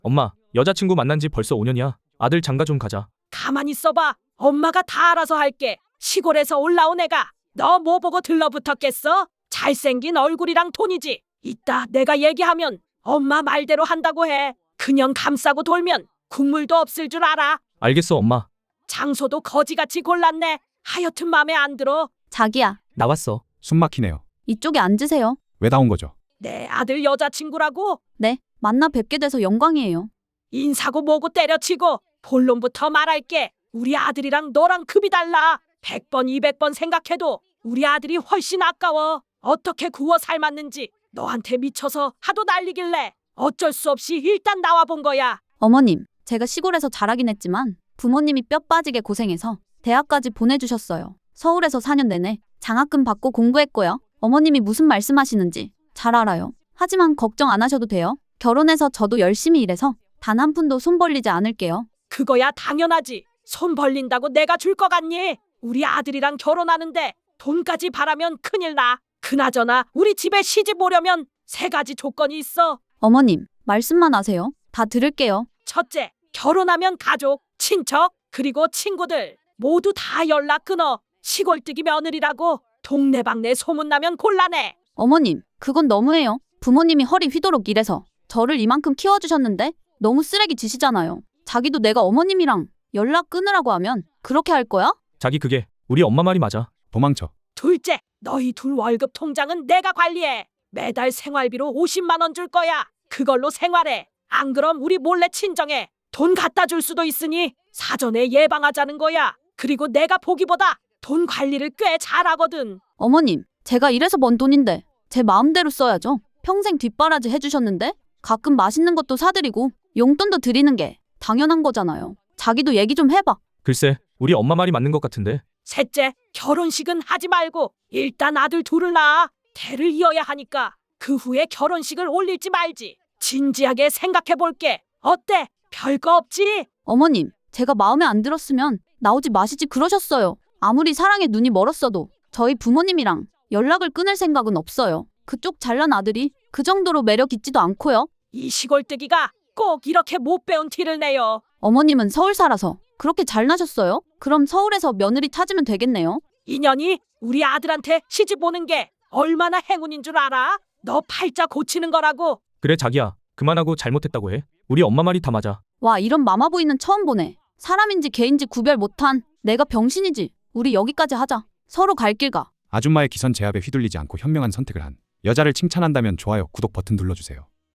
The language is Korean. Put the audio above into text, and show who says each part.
Speaker 1: 엄마, 여자친구 만난 지 벌써 5년이야. 아들 장가 좀 가자.
Speaker 2: 가만히 있어봐. 엄마가 다 알아서 할게. 시골에서 올라온 애가 너 뭐 보고 들러붙었겠어? 잘생긴 얼굴이랑 돈이지. 이따 내가 얘기하면 엄마 말대로 한다고 해. 그냥 감싸고 돌면 국물도 없을 줄 알아.
Speaker 1: 알겠어, 엄마.
Speaker 2: 장소도 거지같이 골랐네. 하여튼 맘에 안 들어.
Speaker 3: 자기야,
Speaker 1: 나왔어.
Speaker 4: 숨 막히네요.
Speaker 3: 이쪽에 앉으세요.
Speaker 4: 왜 나온 거죠?
Speaker 2: 내 아들 여자친구라고.
Speaker 3: 네, 만나 뵙게 돼서 영광이에요.
Speaker 2: 인사고 뭐고 때려치고 본론부터 말할게. 우리 아들이랑 너랑 급이 달라. 100번 200번 생각해도 우리 아들이 훨씬 아까워. 어떻게 구워 삶았는지 너한테 미쳐서 하도 난리길래 어쩔 수 없이 일단 나와본 거야.
Speaker 3: 어머님, 제가 시골에서 자라긴 했지만 부모님이 뼈 빠지게 고생해서 대학까지 보내주셨어요. 서울에서 4년 내내 장학금 받고 공부했고요. 어머님이 무슨 말씀하시는지 잘 알아요. 하지만 걱정 안 하셔도 돼요. 결혼해서 저도 열심히 일해서 단 한 푼도 손 벌리지 않을게요.
Speaker 2: 그거야 당연하지. 손 벌린다고 내가 줄 거 같니? 우리 아들이랑 결혼하는데 돈까지 바라면 큰일 나. 그나저나 우리 집에 시집 오려면 3가지 조건이 있어.
Speaker 3: 어머님, 말씀만 하세요. 다 들을게요.
Speaker 2: 첫째, 결혼하면 가족, 친척, 그리고 친구들 모두 다 연락 끊어. 시골뜨기 며느리라고 동네방네 소문나면 곤란해.
Speaker 3: 어머님, 그건 너무해요. 부모님이 허리 휘도록 일해서 저를 이만큼 키워주셨는데 너무 쓰레기 지시잖아요. 자기도 내가 어머님이랑 연락 끊으라고 하면 그렇게 할 거야?
Speaker 1: 자기 그게 우리 엄마 말이 맞아.
Speaker 4: 도망쳐.
Speaker 2: 둘째, 너희 둘 월급 통장은 내가 관리해. 매달 생활비로 50만 원 줄 거야. 그걸로 생활해. 안 그럼 우리 몰래 친정에 돈 갖다 줄 수도 있으니 사전에 예방하자는 거야. 그리고 내가 보기보다 돈 관리를 꽤 잘하거든.
Speaker 3: 어머님, 제가 이래서 번 돈인데 제 마음대로 써야죠. 평생 뒷바라지 해주셨는데 가끔 맛있는 것도 사드리고 용돈도 드리는 게 당연한 거잖아요. 자기도 얘기 좀 해봐.
Speaker 1: 글쎄, 우리 엄마 말이 맞는 것 같은데.
Speaker 2: 셋째, 결혼식은 하지 말고 일단 아들 둘을 낳아. 대를 이어야 하니까 그 후에 결혼식을 올릴지 말지 진지하게 생각해 볼게. 어때? 별거 없지?
Speaker 3: 어머님, 제가 마음에 안 들었으면 나오지 마시지 그러셨어요. 아무리 사랑에 눈이 멀었어도 저희 부모님이랑 연락을 끊을 생각은 없어요. 그쪽 잘난 아들이 그 정도로 매력 있지도 않고요.
Speaker 2: 이 시골뜨기가 꼭 이렇게 못 배운 티를 내요.
Speaker 3: 어머님은 서울 살아서 그렇게 잘나셨어요? 그럼 서울에서 며느리 찾으면 되겠네요.
Speaker 2: 인연이 우리 아들한테 시집 오는 게 얼마나 행운인 줄 알아? 너 팔자 고치는 거라고.
Speaker 1: 그래, 자기야. 그만하고 잘못했다고 해. 우리 엄마 말이 다 맞아.
Speaker 3: 와, 이런 마마보이는 처음 보네. 사람인지 개인지 구별 못한 내가 병신이지. 우리 여기까지 하자. 서로 갈 길 가.
Speaker 4: 아줌마의 기선 제압에 휘둘리지 않고 현명한 선택을 한 여자를 칭찬한다면 좋아요, 구독 버튼 눌러주세요.